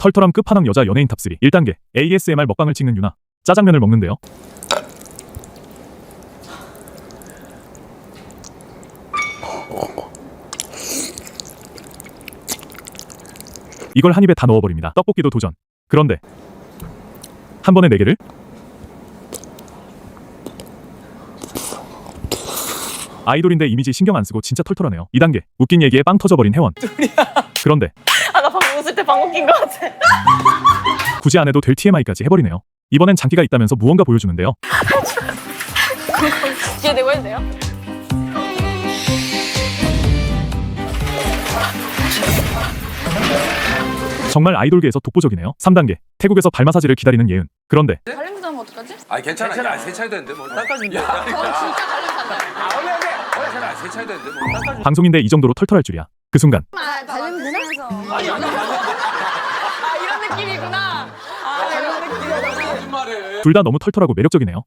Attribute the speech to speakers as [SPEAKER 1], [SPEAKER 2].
[SPEAKER 1] 털털함 끝판왕 여자 연예인 탑3 1단계 ASMR 먹방을 찍는 유나. 짜장면을 먹는데요. 이걸 한 입에 다 넣어버립니다. 떡볶이도 도전. 그런데 한 번에 4개를? 아이돌인데 이미지 신경 안 쓰고 진짜 털털하네요. 2단계 웃긴 얘기에 빵 터져버린 혜원. 그런데
[SPEAKER 2] 아, 나 방금 웃을 때 방귀 낀 것 같아.
[SPEAKER 1] 굳이 안 해도 될 TMI까지 해버리네요. 이번엔 장기가 있다면서 무언가 보여주는데요.
[SPEAKER 2] 뒤에 대고 해도 돼요?
[SPEAKER 1] 정말 아이돌계에서 독보적이네요. 3단계 태국에서 발 마사지를 기다리는 예은. 그런데
[SPEAKER 2] 달림 나면 어떡하지?
[SPEAKER 3] 아니 괜찮아. 야, 세 차이 되는데 뭐. 닦아준다. 야,
[SPEAKER 2] 저 진짜 달림 산다.
[SPEAKER 3] 괜찮아. 세 차이 되는데 뭐. 닦아준다.
[SPEAKER 1] 방송인데 이 정도로 털털할 줄이야. 그 순간
[SPEAKER 2] 아, 달림 되나? 아, 이런 느낌이구나. 아, 이런 느낌이구나.
[SPEAKER 3] 거짓말해.
[SPEAKER 1] 둘 다 너무 털털하고 매력적이네요.